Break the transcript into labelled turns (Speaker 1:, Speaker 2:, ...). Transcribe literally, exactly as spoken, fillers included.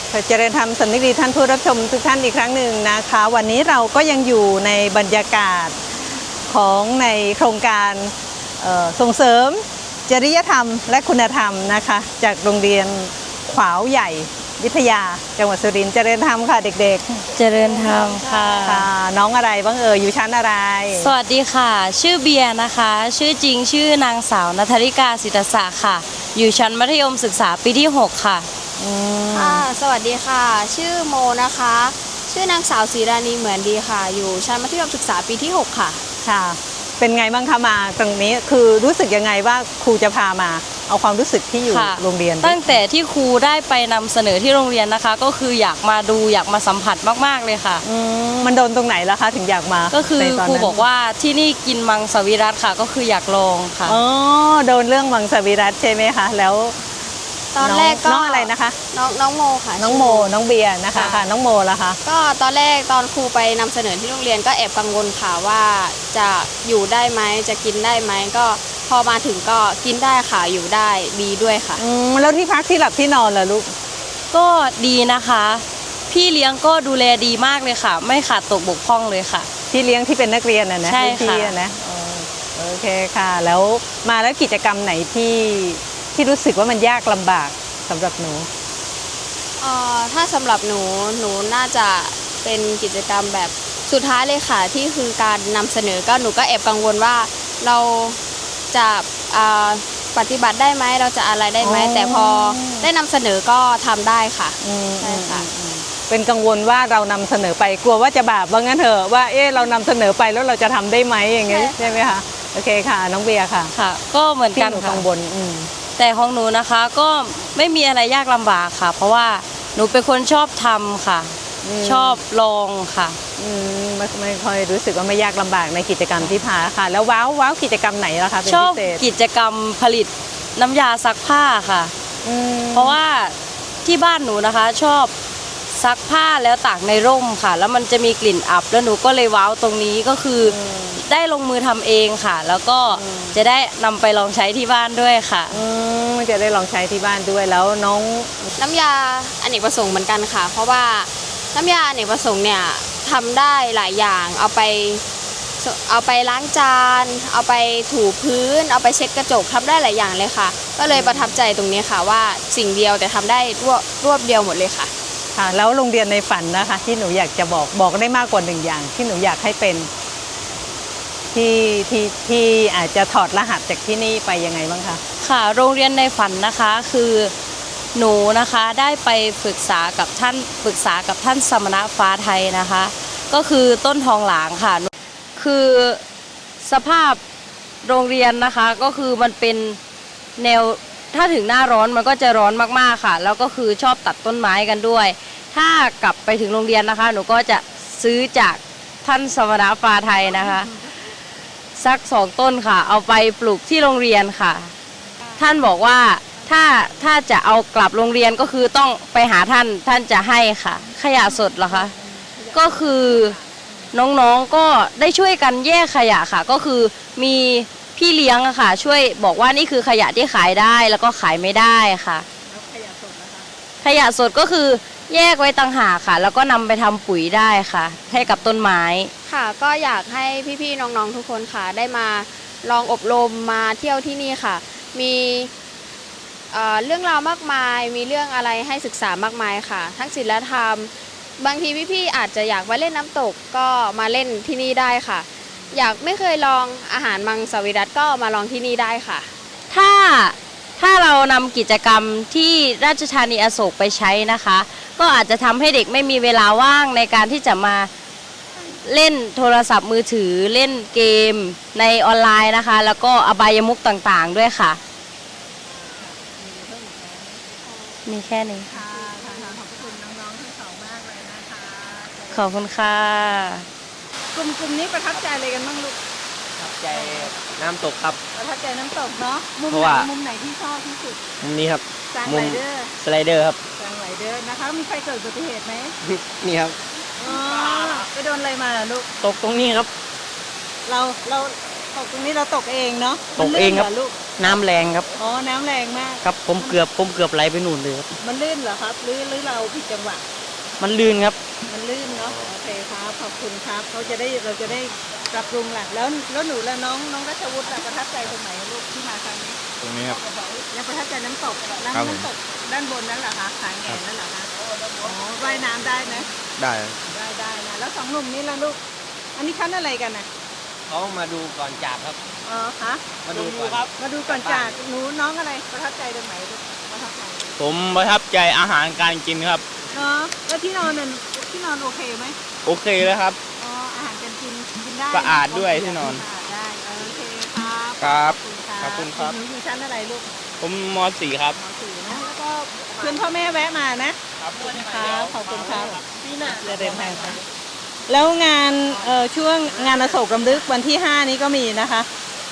Speaker 1: เจริญธรรมสำนึกดีท่านผู้รับชมทุกท่านอีกครั้งหนึ่งนะคะวันนี้เราก็ยังอยู่ในบรรยากาศของในโครงการส่งเสริมจริยธรรมและคุณธรรมนะคะจากโรงเรียนขวาวใหญ่วิทยาจังหวัดสุรินทร์เจริญธรรมค่ะเด็ก
Speaker 2: ๆเจริญธรรมค่ะ
Speaker 1: ค่ะน้องอะไรบ้างเอ่ยอยู่ชั้นอะไร
Speaker 2: สวัสดีค่ะชื่อเบียร์นะคะชื่อจริงชื่อนางสาวณัฐริกาศิตศักดิ์ค่ะอยู่ชั้นมัธยมศึกษาปีที่หกค่ะ
Speaker 3: ค่ะสวัสดีค่ะชื่อโมนะคะชื่อนางสาวศรีราณีเหมือนดีค่ะอยู่ชั้นมัธยมศึกษาปีที่หกค่ะ
Speaker 1: ค่ะเป็นไงบ้างคะมาตรงนี้คือรู้สึกยังไงว่าครูจะพามาเอาความรู้สึกที่อยู่โรงเรียน
Speaker 2: ตั้งแต่ที่ครูได้ไปนำเสนอที่โรงเรียนนะคะก็คืออยากมาดูอยากมาสัมผัสมากๆเลยค่ะ
Speaker 1: มันโดนตรงไหนล่ะคะถึงอยากมา
Speaker 2: ก็คือครูบอกว่าที่นี่กินมังสวิรัติค่ะก็คืออยากลองค่ะ
Speaker 1: อ๋อโดนเรื่องมังสวิรัติใช่ไหมคะแล้ว
Speaker 3: ตอนแรกก็
Speaker 1: น้องอะไรนะคะ
Speaker 3: น้องน้องโมค่ะ
Speaker 1: น้องโมน้องเบียร์นะคะค่ะน้องโมล่ะคะ
Speaker 3: ก็ตอนแรกตอนครูไปนำเสนอที่โรงเรียนก็แอบกังวลค่ะว่าจะอยู่ได้ไหมจะกินได้ไหมก็พอมาถึงก็กินได้ค่ะอยู่ได้ดีด้วยค่ะ
Speaker 1: อืมแล้วที่พักที่หลับที่นอนล่ะลูก
Speaker 2: ก็ดีนะคะพี่เลี้ยงก็ดูแลดีมากเลยค่ะไม่ขาดตกบกพร่องเลยค่ะ
Speaker 1: พี่เลี้ยงที่เป็นนักเรียนน่ะนะ
Speaker 2: ใช่ค่ะ
Speaker 1: นะโอเคค่ะแล้วมาแล้วกิจกรรมไหนที่ที่รู้สึกว่ามันยากลำบากสำหรับหนู
Speaker 3: เอ่อถ้าสำหรับหนูหนูน่าจะเป็นกิจกรรมแบบสุดท้ายเลยค่ะที่คือการนำเสนอก็หนูก็แอบกังวลว่าเราจะปฏิบัติได้ไหมเราจะอะไรได้ไหมแต่พอได้นำเสนอก็ทำได้ค่ะใช่ค่ะ
Speaker 1: เป็นกังวลว่าเรานำเสนอไปกลัวว่าจะบาปว่างั้นเถอะว่าเอ๊ะเรานำเสนอไปแล้วเราจะทำได้ไหมอย่างเงี้ยใช่ไหมคะโอเคค่ะน้องเบียร์ค่ะ
Speaker 2: ค่ะก็เหมือนกัน
Speaker 1: กังวล
Speaker 2: แต่ของหนูนะคะก็ไม่มีอะไรยากลำบากค่ะ เพราะว่าหนูเป็นคนชอบทำค่ะชอบลองค่ะ
Speaker 1: ไม่ไม่ค่อยรู้สึกว่าไม่ยากลำบากในกิจกรรมที่พาค่ะแล้วว้าวว้าวกิจกรรมไหนล่ะคะ
Speaker 2: ชอบกิจกรรมผลิตน้ำยาซักผ้าค่ะเพราะว่าที่บ้านหนูนะคะชอบซักผ้าแล้วตากในร่มค่ะแล้วมันจะมีกลิ่นอับแล้วหนูก็เลยว้าวตรงนี้ก็คือได้ลงมือทำเองค่ะแล้วก็จะได้นำไปลองใช้ที่บ้านด้วยค่ะ
Speaker 1: จะได้ลองใช้ที่บ้านด้วยแล้วน้อง
Speaker 3: น้ำยาอเนกประสงค์เหมือนกันค่ะเพราะว่าน้ำยาอเนกประสงค์เนี่ยทำได้หลายอย่างเอาไปเอาไปล้างจานเอาไปถูพื้นเอาไปเช็ดกระจกทำได้หลายอย่างเลยค่ะก็เลยประทับใจตรงนี้ค่ะว่าสิ่งเดียวแต่ทำได้รวบรวบเดียวหมดเลยค่ะ
Speaker 1: ค่ะแล้วโรงเรียนในฝันนะคะที่หนูอยากจะบอกบอกได้มากกว่าหนึ่งอย่างที่หนูอยากให้เป็นที่ที่ที่อาจจะถอดรหัสจากที่นี่ไปยังไงบ้างคะ
Speaker 2: ค่ะโรงเรียนในฝันนะคะคือหนูนะคะได้ไปปรึกษากับท่านปรึกษากับท่านสมณะฟ้าไทยนะคะก็คือต้นทองหลางค่ะคือสภาพโรงเรียนนะคะก็คือมันเป็นแนวถ้าถึงหน้าร้อนมันก็จะร้อนมากๆค่ะแล้วก็คือชอบตัดต้นไม้กันด้วยถ้ากลับไปถึงโรงเรียนนะคะหนูก็จะซื้อจากท่านสมณะฟ้าไทยนะคะสักสองต้นค่ะเอาไปปลูกที่โรงเรียนค่ะท่านบอกว่าถ้าถ้าจะเอากลับโรงเรียนก็คือต้องไปหาท่านท่านจะให้ค่ะขยะสดเหรอคะก็คือน้องๆก็ได้ช่วยกันแยกขยะค่ะก็คือมีพี่เลี้ยงอะค่ะช่วยบอกว่านี่คือขยะที่ขายได้แล้วก็ขายไม่ได้ค่ะขยะสดนะคะขยะสดก็คือแยกไว้ต่างหากค่ะแล้วก็นำไปทำปุ๋ยได้ค่ะให้กับต้นไม้
Speaker 3: ค่ะก็อยากให้พี่ๆน้องๆทุกคนค่ะได้มาลองอบรมมาเที่ยวที่นี่ค่ะมีเอ่อเรื่องราวมากมายมีเรื่องอะไรให้ศึกษามากมายค่ะทั้งศีลธรรมบางทีพี่ๆอาจจะอยากมาเล่นน้ำตกก็มาเล่นที่นี่ได้ค่ะอยากไม่เคยลองอาหารมังสวิรัติก็มาลองที่นี่ได้ค่ะ
Speaker 2: ถ้าถ้าเรานำกิจกรรมที่ราชธานีอโศกไปใช้นะคะก็อาจจะทำให้เด็กไม่มีเวลาว่างในการที่จะมาเล่นโทรศัพท์มือถือเล่นเกมในออนไลน์นะคะแล้วก็อบายมุขต่างๆด้วยค่ะมีแค่นี้ค่ะขอบคุณน้องๆทั้งสองมากเลยนะคะขอบคุณค่ะ
Speaker 1: กลุ่มกลุ่มนี้ประทับใจอะไรกันบ้างลูก
Speaker 4: ประทับใจน้ำตกครับ
Speaker 1: ประทับใจน้ำตกเนาะมุมไหนมุมไหนที่ชอบที่สุด
Speaker 4: มุมนี้ครับ
Speaker 1: มุม
Speaker 4: สไลเดอร์ครับ
Speaker 1: สไลเดอร์นะคะมีใครเกิดอุบัติเหตุไหม
Speaker 4: นี่ครับ
Speaker 1: ไปโดนอะไรมาลูก
Speaker 4: ตกตรงนี้ครับ
Speaker 1: เราเราตกตรงนี้เราตกเองเนาะ
Speaker 4: ตกเองครับ
Speaker 1: ลูก
Speaker 4: น้ำแรงครับ
Speaker 1: อ๋อ น้ำแรงมาก
Speaker 4: ครับผมเกือบผมเกือบไหลไปนู่นเลยครับ
Speaker 1: มันลื่นเหรอครับ หรือหรือเราผิดจังหวะ
Speaker 4: มันลื่นครับ
Speaker 1: มันลื่นเนาะ โอเคครับ ขอบคุณครับ เขาจะได้เราจะได้ปรับปรุงแหละแล้วแล้วหนูและน้องน้องรัชวุฒิล่ะประทับใจตรงไหนลูกที่มาครั้งนี้
Speaker 5: ตรงนี้ครับ
Speaker 1: ยังประทับใจน้ำตกน้ำ
Speaker 5: ครับผม
Speaker 1: น้ำตกด้านบนนั่นเหรอคะขางแงนนั่นเหรอคะอ๋อว่ายน้ำได้ไหม
Speaker 5: ได้
Speaker 1: ได้ได้นะแล้วสองหนุ่มนี้ล่ะลูก อันนี้คั้นอะไรกันนะ
Speaker 4: เขามาดูก่อนจากครับ
Speaker 1: อ๋อฮะ
Speaker 4: มาดูก่อนครับ
Speaker 1: มาดูก่อนจากหนูน้องอะไรประทับใจตรงไหนลูกประทับใจ
Speaker 5: ผมประทับใจอาหารการกินครับ
Speaker 1: เนาะแล้วที่นอนนั่นที่นอนโอเคไหม
Speaker 5: โอเคเลยครับ
Speaker 1: อ๋ออาหารการกินกินได้
Speaker 5: สะอาดด้วยที่นอน
Speaker 1: สะอาดได้โอเคครับ
Speaker 5: ครับ
Speaker 1: ขอบคุณครับ
Speaker 5: ขอบคุณครับ
Speaker 1: หนูอยู่ชั้นอะไรลูก
Speaker 5: ผมมสี่ครับ
Speaker 1: มสี่นะแล้วก็เพื่อนพ่อแม่แวะมานะครับครับขอบคุณครับพี่น่ะจะเดินทางครับแล้วงานเอ่อช่วงงานอโศกรำลึกวันที่ห้านี้ก็มีนะคะ